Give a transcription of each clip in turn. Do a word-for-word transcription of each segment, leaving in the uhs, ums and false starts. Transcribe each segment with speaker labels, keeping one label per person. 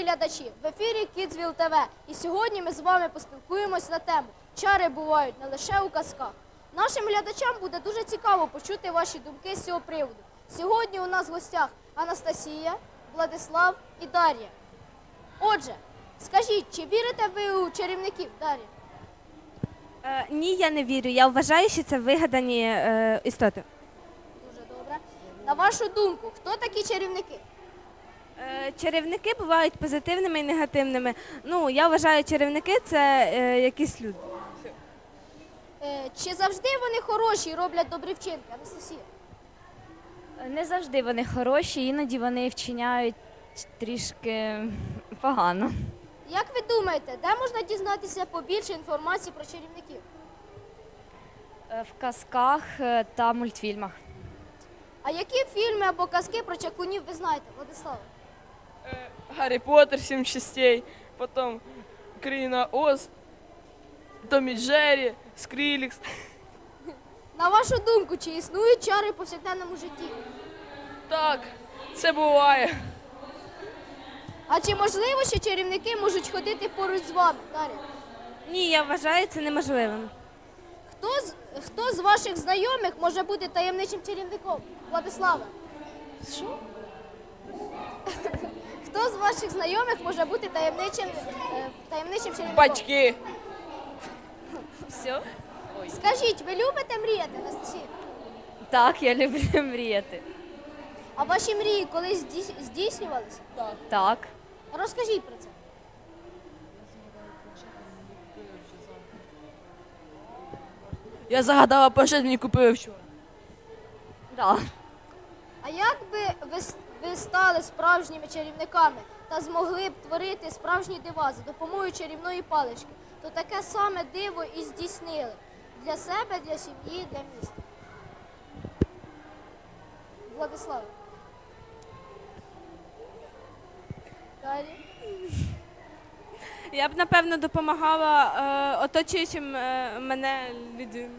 Speaker 1: глядачі! В ефірі Kidsville те ве. І сьогодні ми з вами поспілкуємось на тему «Чари бувають не лише у казках». Нашим глядачам буде дуже цікаво почути ваші думки з цього приводу. Сьогодні у нас в гостях Анастасія, Владислав і Дар'я. Отже, скажіть, чи вірите ви у чарівників, Дар'я?
Speaker 2: Е, ні, я не вірю. Я вважаю, що це вигадані е, істоти.
Speaker 1: Дуже добре. На вашу думку, хто такі чарівники?
Speaker 2: Е, чарівники бувають позитивними і негативними. Ну, я вважаю, чарівники – це е, якісь люди.
Speaker 1: Е, чи завжди вони хороші і роблять добрі вчинки, Анастасія?
Speaker 3: Не завжди вони хороші, іноді вони вчиняють трішки погано.
Speaker 1: Як ви думаєте, де можна дізнатися побільше інформації про чарівників?
Speaker 3: Е, В казках е, та мультфільмах.
Speaker 1: А які фільми або казки про чаклунів ви знаєте, Владислав?
Speaker 4: Гаррі Поттер, сім частей, потом Країна Оз, Том і Джері, Скрілікс.
Speaker 1: На вашу думку, чи існують чари в повсякденному житті?
Speaker 4: Так, це буває.
Speaker 1: А чи можливо, що чарівники можуть ходити поруч з вами, Дар'я?
Speaker 2: Ні, я вважаю це неможливим.
Speaker 1: Хто з, хто з ваших знайомих може бути таємничим чарівником? Владислава? Що? Хто з ваших знайомих може бути таємничим, е, таємничим чарівником?
Speaker 4: Батьки.
Speaker 3: Все?
Speaker 1: Скажіть, ви любите мріяти, Анастасія?
Speaker 3: Так, я люблю мріяти.
Speaker 1: А ваші мрії колись здійс- здійснювалися?
Speaker 3: Так.
Speaker 1: Розкажіть про це.
Speaker 4: Я загадала планшет, мені купили вчора.
Speaker 3: Да.
Speaker 1: А як би ви, с- ви стали справжніми чарівниками та змогли б творити справжні дива за допомогою чарівної палички, то таке саме диво і здійснили для себе, для сім'ї, для міста. Владислав. Далі.
Speaker 2: Я б, напевно, допомагала е, оточуючим е, мене людям.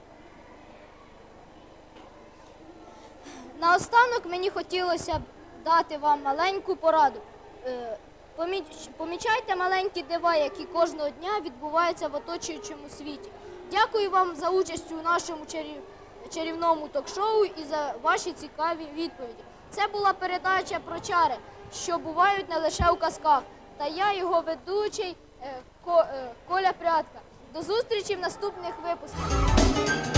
Speaker 1: Наостанок мені хотілося б дати вам маленьку пораду. Е, поміч- Помічайте маленькі дива, які кожного дня відбуваються в оточуючому світі. Дякую вам за участь у нашому чарів... чарівному ток-шоу і за ваші цікаві відповіді. Це була передача про чари, що бувають не лише у казках. Та я, його ведучий е, Ко- е, Коля Прядка. До зустрічі в наступних випусках.